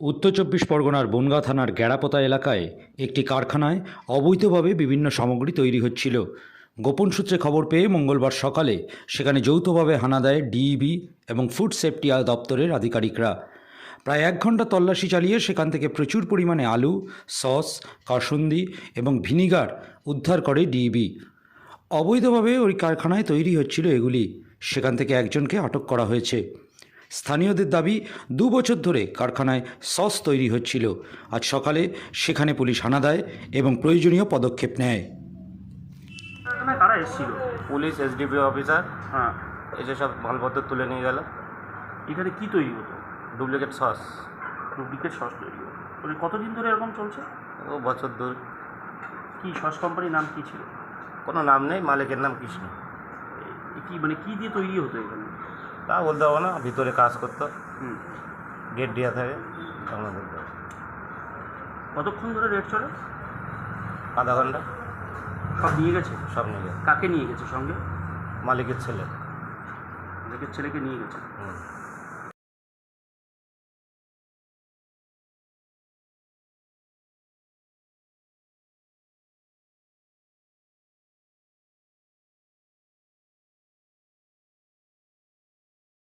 উত্তর চব্বিশ পরগনার বনগাঁ থানার গ্যাড়াপোতা এলাকায় একটি কারখানায় অবৈধভাবে বিভিন্ন সামগ্রী তৈরি হচ্ছিল। গোপন সূত্রে খবর পেয়ে মঙ্গলবার সকালে সেখানে যৌথভাবে হানা দেয় ডিইবি এবং ফুড সেফটি দপ্তরের আধিকারিকরা। প্রায় 1 ঘন্টা তল্লাশি চালিয়ে সেখান থেকে প্রচুর পরিমাণে আলু, সস, কাসুন্দি এবং ভিনিগার উদ্ধার করে ডিইবি। অবৈধভাবে ওই কারখানায় তৈরি হচ্ছিল এগুলি। সেখান থেকে একজনকে আটক করা হয়েছে। স্থানীয়দের দাবি 2 বছর ধরে কারখানায় সস তৈরি হচ্ছিল। আজ সকালে সেখানে পুলিশ হানা দেয় এবং প্রয়োজনীয় পদক্ষেপ নেয়। কারখানায় কারা এসেছিল? পুলিশ এসডিপি অফিসার হ্যাঁ, এসে সব মালপত্র তুলে নিয়ে গেল। এখানে কি তৈরি হতো? Duplicate sauce. ডুপ্লিকেট সস তৈরি হতো। মানে কতদিন ধরে এরকম চলছে? ও বছর দূর। কি সস কোম্পানির নাম কি ছিল? কোনো নাম নেই, মালিকের নাম কৃষ্ণ। কি মানে কি দিয়ে তৈরি হতো এখানে? তা বলতে হবে না, ভিতরে কাজ করতো, হুম, গেট দেওয়া থাকে, আমরা বলতে হবে। কতক্ষণ ধরে রেট চলে? আধা ঘন্টা। সব নিয়ে গেছে? সব নিয়ে গেছে। কাকে নিয়ে গেছে সঙ্গে? মালিকের ছেলে। মালিকের ছেলেকে নিয়ে গেছে। হুম।